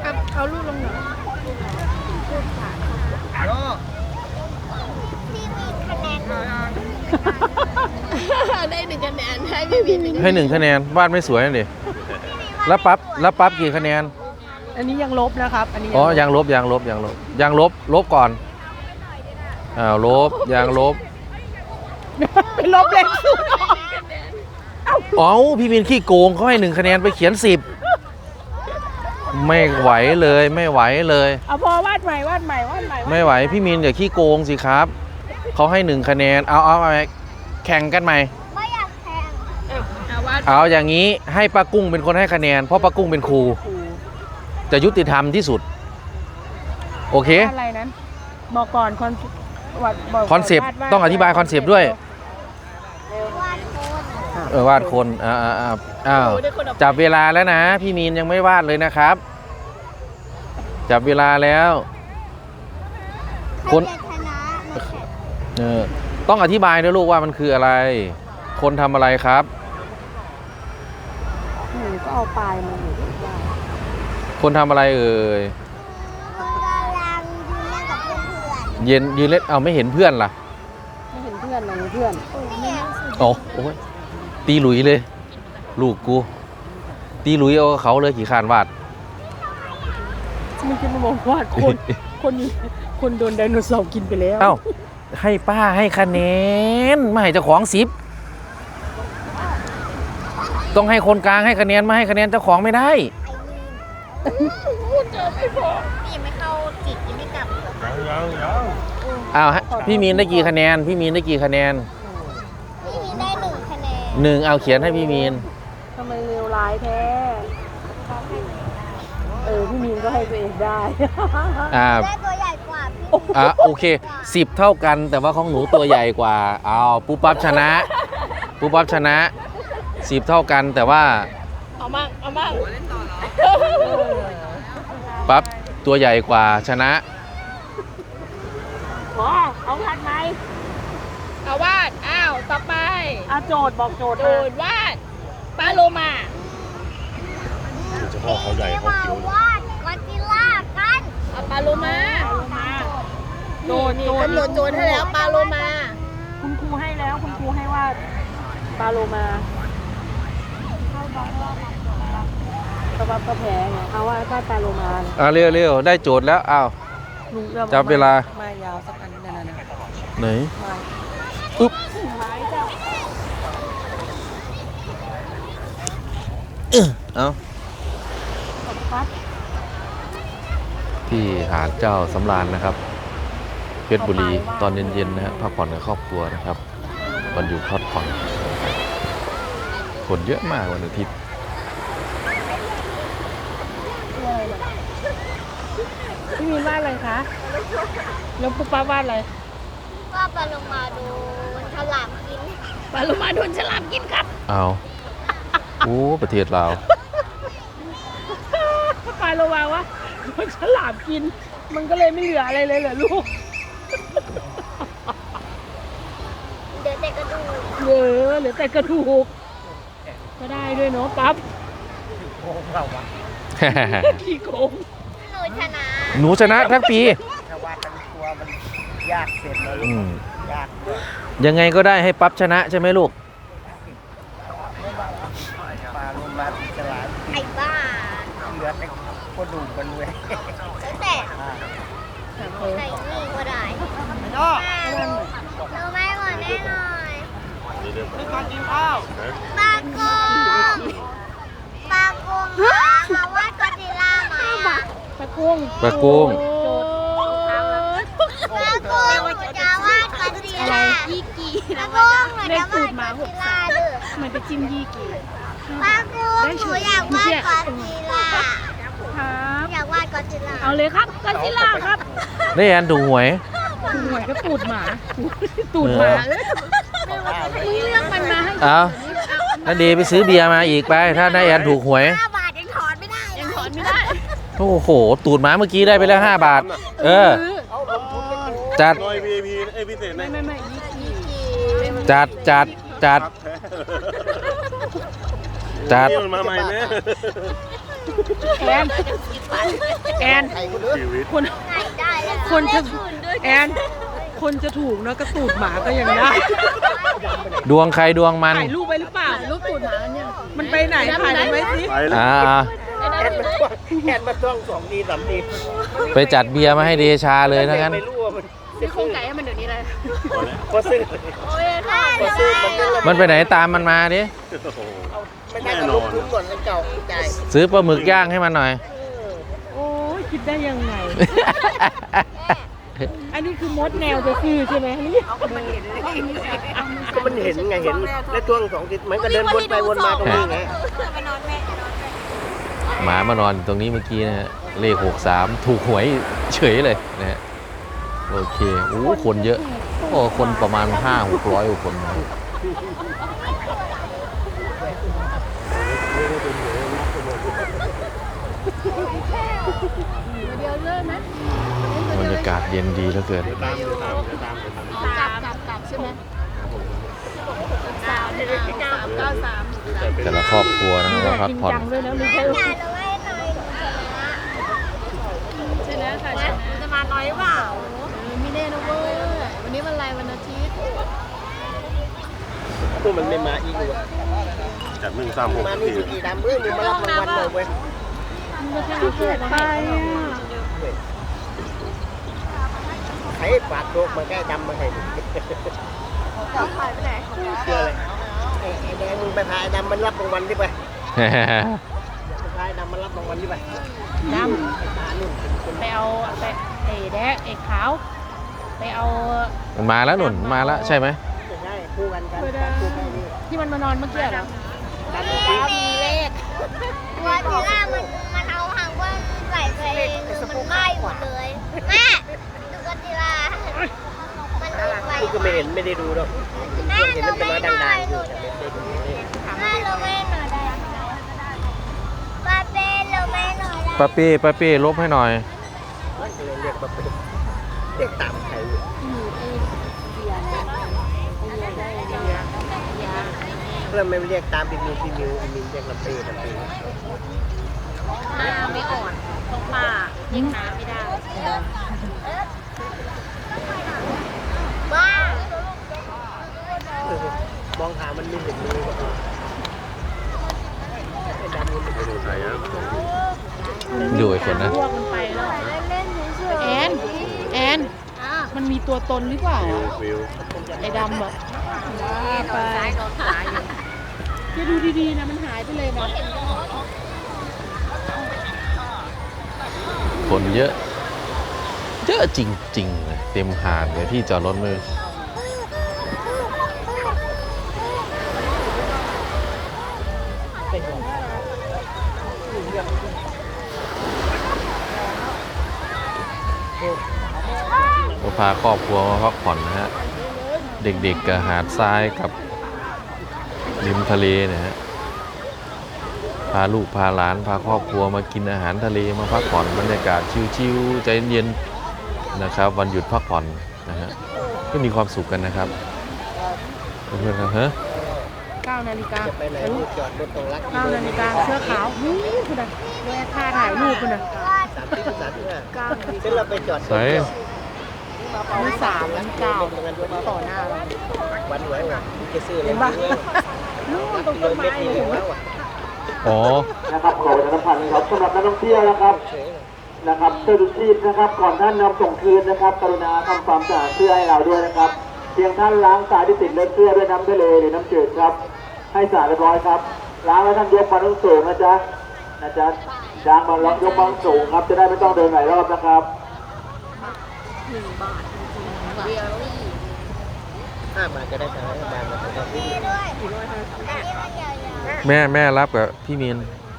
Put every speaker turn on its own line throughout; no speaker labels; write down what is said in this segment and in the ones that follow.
ครับเอาลูกลงหน่อยได้1 คะแนนให้พี่วิน
ให้1 คะแนนวาดไม่สวยนั่นดิแล้วปั๊บกี่คะแนน
อันนี้ยังลบนะครับอันนี้
อ๋อยังลบลบก่อนลบยังลบ
ไปลบเลขศูนย์
อ๋อพี่มินขี้โกงเขาให้1 คะแนนไปเขียน10ไม่ไหวเลย
เอาพอวาดใหม่
ไม่ไหวพี่มินอย่าขี้โกงสิครับเขาให้1 คะแนนเอาแข่งกันใหม่
ไม่อยากแข่ง
เอาอย่างนี้ให้ป้ากุ้งเป็นคนให้คะแนนเพราะป้ากุ้งเป็นครูจะยุติธรรมที่สุดโอเค
อะไรนั้นบอกก่อน
คอนเซปต์ต้องอธิบายคอนเซปต์ด้วยวาดคนจับเวลาแล้วนะพี่มีนยังไม่วาดเลยนะครับจับเวลาแล้วคนต้องอธิบายด้วยลูกว่ามันคืออะไรคนทำอะไรครับ
ก็เอาปลายมา
คนทำอะไรเอ่ยยืนเล่นเอาไม่เห็นเพื่อนล่ะ
ไม่เห็นเพื่อนอะไรเพื่อน
โอ้ยตีหลุยเลยลูกกูตีหลุยเอาเขาเลยขี่คานวาด
มันจะมาบอกวาดคนโดนไดโนเสาร์กินไปแล้ว
เอ้าให้ป้าให้คะแนนไม่ให้เจ้าของ10ต้องให้คนกลางให้คะแนนไม่ให้คะแนนเจ้าของไม่ได้
พูดเจอไม่พอพี่ยังไม่เข้าจิตยังไม่กลับ
อ้าวพี่มีนได้กี่คะแนนพี่มีนได้กี่คะแนน
พี่มีนได้1 คะแนน
1เอาเขียนให้พี่มีน
ทำไมเลวร้ายแท้พี่มีนก็ให้ตัวเองได้
ได้ตัวใหญ่กว่าพี่
โอเค10เท่ากันแต่ว่าของหนูตัวใหญ่กว่าเอาปุ๊บปั๊บชนะ10เท่ากันแต่ว่า
เอามั่ง
ปั๊บตัวใหญ่กว่าชนะ
เอาวาดไหม
เอาวาดต่อไป
โจทย์บอกโจทย์
วาดปลาโลมา
เฉพาะเขาใหญ่เขาเขียว
วาดกอซิลล่ากันเอาปลาโลมาโจทย์กำหนดโจทย์ให้แล้วปลาโลมา
คุณครูให้แล้วคุณครูให้วาดปลาโลมาก็แพ้ไงเอาว่าปลาโลมา
เร็วได้โจทย์แล้วจับเวลา
ไม่ยาวสักอันนั่น
ไหนอุ๊บเอาที่หาดเจ้าสำราญนะครับเพชรบุรีตอนเย็นๆนะฮะพักผ่อนกับครอบครัวนะครับวันอยู่พักผ่อนคนเยอะมากวันอาทิตย์
พี่มีวาดอะไรคะแล้วปุ๊บป้าวาดอะไร
ว่าปลาโลมาโดนฉลามกินปลาโลมาโดนฉลามกินครับ
เอาประเทศเรา
ปลาโลมาวะโดนฉลามกินมันก็เลยไม่เหลืออะไรเลยเหรอลูก
เหลือแต่กระดูก
เหลือแต่กระดูกก็ได้ด้วยเนาะปั๊บขี้โกง
หนูชนะทั้งปี
ยากเสร็จเลยยาก
ยังไงก็ได้ให้ปั๊บชนะใช่ไหมลูก
ปลาลงมาฉลาด
ไอ้บ้า
เหลือแต่กระดูกมันเว้ย
แต่ใส่นี่ก็ได้เราไม่หมดแน่นอน
ไม่ต้องกินข้าว
ปลาโกงมาว่าก็ซิลล่ามา
ปลากุ้ง
จะว่าก็ซิลล่ายี่กี่ปลาโกงหนูจะว่าก็ซิลล่า
มันจะจิ้มยี่กี่
ปลาโกงหนูอยากว่าก็ซิลล่าอยากวาดก็ซิลล่า
เอาเลยครับก็ซิลล่าครับ
ได้แอนถูกหวย
ก็ตูดหมามึงเลือกมันมาให้
นั่นดีไปซื้อเบียร์มาอีกไปถ้าได้แอนถูกหวย
5 บาทยังถอนไม่ได้
โอ้โหตูดหมาเมื่อกี้ได้ไปแล้ว5 บาทจัดจัด
มาใหม่แม่
แอนแอน
ไข่คนเด้อ
คน
ไหนได้แล้ว
คนจะแอนคนจะถูกเนาะกระตูดหมาก็ยังได้
ดวงใครดวงมัน
ถ่ายรูปไปหรือเปล่า
รูปตูดหมาเนี่ย
มันไปไหนถ่ายไว้สิ
อ่า
แอนมาต้อง2 ที3 ที
ไปจัดเบียร์มาให้เดชาเลยทั้งนั้น
ไม่รู้ว่ามัน
ซื้อโครงไก่ให้มันเดี๋ยวนี้เลย
พอซื้อ
โอ้ยถ้า
พอซื้อมันก็เลย
มันไปไหนตามมันมาดิ
ไม่ได้กับลูกคุ้มก่อนแล้วเก่าใจ
ซื้อปลาหมึกย่างให้มันหน่อย
โอ้ยคิดได้ยังไง อันนี้คือมดแนวจะคือใช่ไหมนี่
ก็มันเห็นไงเห็นแล้วช่วง2 ทีมันก็เดินวนไปวนมาตรงนี้ไง
หมามานอนตรงนี้เมื่อกี้นะฮะ เลข 63 ถูกหวยเฉยเลยนะฮะ โอเคโอ้คนเยอะ โอ้คนประมาณ 500-600กว่าคนนะ
เดียวเลยไหม
บรรยากาศเย็นดีเหลือเกิน
กลับใช่ไหม393
แต่ละครอบครัวนะครับมาพัก
จริง
ผ่อน
จังด้วยนะไม่ใช่ว่า
ใช่แล้วค่ะจะมาน้อยเปล่าไม่แน่นะเว้ยวันนี้วันอะไรวันอาทิตย์
พวกมันไม่มาอีกเลย
จาก136
มานี่กี่ดำเอ้ยมึงมารับรางวัลเลยเว้ย
เกิดไปอ่ะ
ไอ้ฝากโชคมาแก้ดำมาให้จะขายไปไหนเชื่อเลยไอ้แดงมึงไปพายดำมันรับรางวัลดิไปพายดำมันรับรางวัลดิไป
ดำไปเอาไปไอ้แดกไอ้ขาวไปเอา
มันมาแล้วหนุนมาแล้วใช่ไหม
ไม่ใช่คู่กันคู่กันนี่
ที่มันมานอนเมื่อกี้เหรอ
มีเลขตัวทีแรกมันเอาหางว่าใส่ไปมันใกล้หมดเลยแม่ดูกติลามันดูไป
กูก็ไม่เห็นไม่ได้ดูหรอกเห็นมันเป็นร้อยดังๆอยู่แต่ไม่ได้ดู
แม่เราไม่หน่อยได้ป้าเป้เราไม่หน่อยได้
ป้าเป้ลบให้หน่อย
เรียกแบบเรียกตามใครเพื่อนไม่เรียกตามพี่มิวเรียกลำเปย์
หน้าไม่อ่อนต้องป้ายิงน้ำไม่ได้บ้าม
องหามันมีเห็นมือไอ้ดำมันเป็น
ดูใครอ่ะ
ดูไอ้คนนะ
พวกมันไปแล้ว
เล่นเฉย
แอนมันมีตัวตนหรือเปล่า
วิว
ไอ้ดำอ่ะ
ๆซ้ายโดนขวาอยู่
จะดูดีๆนะมันหายไปเลยนะ
คนเยอะเยอะจริงๆเลยเต็มหาดเลยที่จอดรถมือก็พาครอบครัวมาพักผ่อนนะฮะ เด็กๆกับหาดทรายกับริมทะเลนะฮะ พาลูกพาหลานพาครอบครัวมากินอาหารทะเลมาพักผ่อนบรรยากาศชิวๆใจเย็นๆนะครับ วันหยุดพักผ่อนนะฮะก็มีความสุขกันนะครับเพื่อนๆครับฮะ
9 นาฬิกา
จะไปไหนจอดรถตรงรัก
9 นาฬิกาเสื้อขาวนี่คุณน่ะแม่ค่าถ่ายรูปคุณน่ะ
35เส้นเราไปจอด
ใส่
นี่3 แล้ว9ต่อหน้าเรา
วันหวยว่ะจะซื้ออะไร
นู่นตรงต้นไม้เลยเห็นไหม
อ๋อ
นะครับขอประชาสัมพันธ์นะครับสำหรับนักท่องเที่ยวนะครับเสื้อชูชีพนะครับก่อนท่านนำส่งคืนนะครับกรุณาทำความสะอาดเสื้อให้เราด้วยนะครับเพียงท่านล้างสายที่ติดเลือดเสื้อด้วยน้ำทะเลหรือน้ำจืดครับให้สะอาดเรียบร้อยครับล้างแล้วท่านยกมาต้องสูงนะจ๊ะล้างมาแล้วยกมาสูงครับจะได้ไม่ต้องเดินหลายรอบนะครับ
5 บาทจะได้3บาทนะครับ
แม่รับกับพี่มีน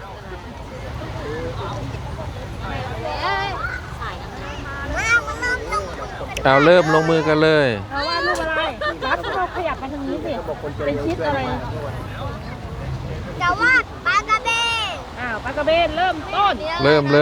เอาเริ่มลงมือกันเลย
เอาว่ารูปอะไรรัดเราขยับมาทางนี้สิเป็นชิดอะไร
แต่ว่าปลากระเบน
ปลากระเบนเริ่มต้น
เริ่มเลย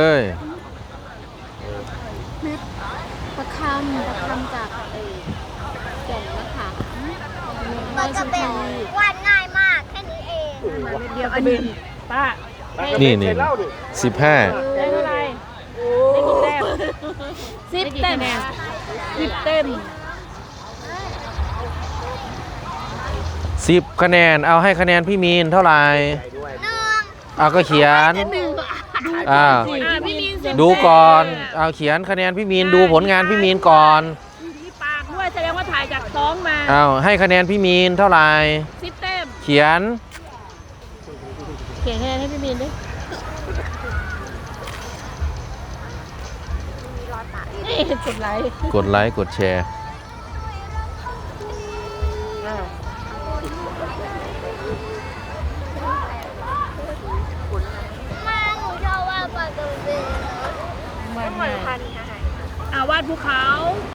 ประคำจากแก่นมะขามปลากระเบนวาดง่ายมากแค่นี้เอง
เดียวกระเบนป้า
นี่
เคยเล่าดิ
15
ได้เท่าไหร่ได้กี่แต้ม10 เต็ม10 เต็ม
10 คะแนนเอาให้คะแนนพี่มีนเท่าไหร่เอาก็เขียน
พี่มีน10
ดูก่อนเอาเขียนคะแนนพี่มีนดูผลงานพี่มีนก่อน
ที่ปากด้วยแสดงว่าถ่ายจากท้องมา
เอาให้คะแนนพี่มีนเท่าไหร่
10 เต็ม
เขียน
เขียนคะแนนให้พี่มีนดินี่กดไลค์
กดไลค์กดแชร์
มาหนูชอบว่าปลาตัวเบล
วาดภูเขา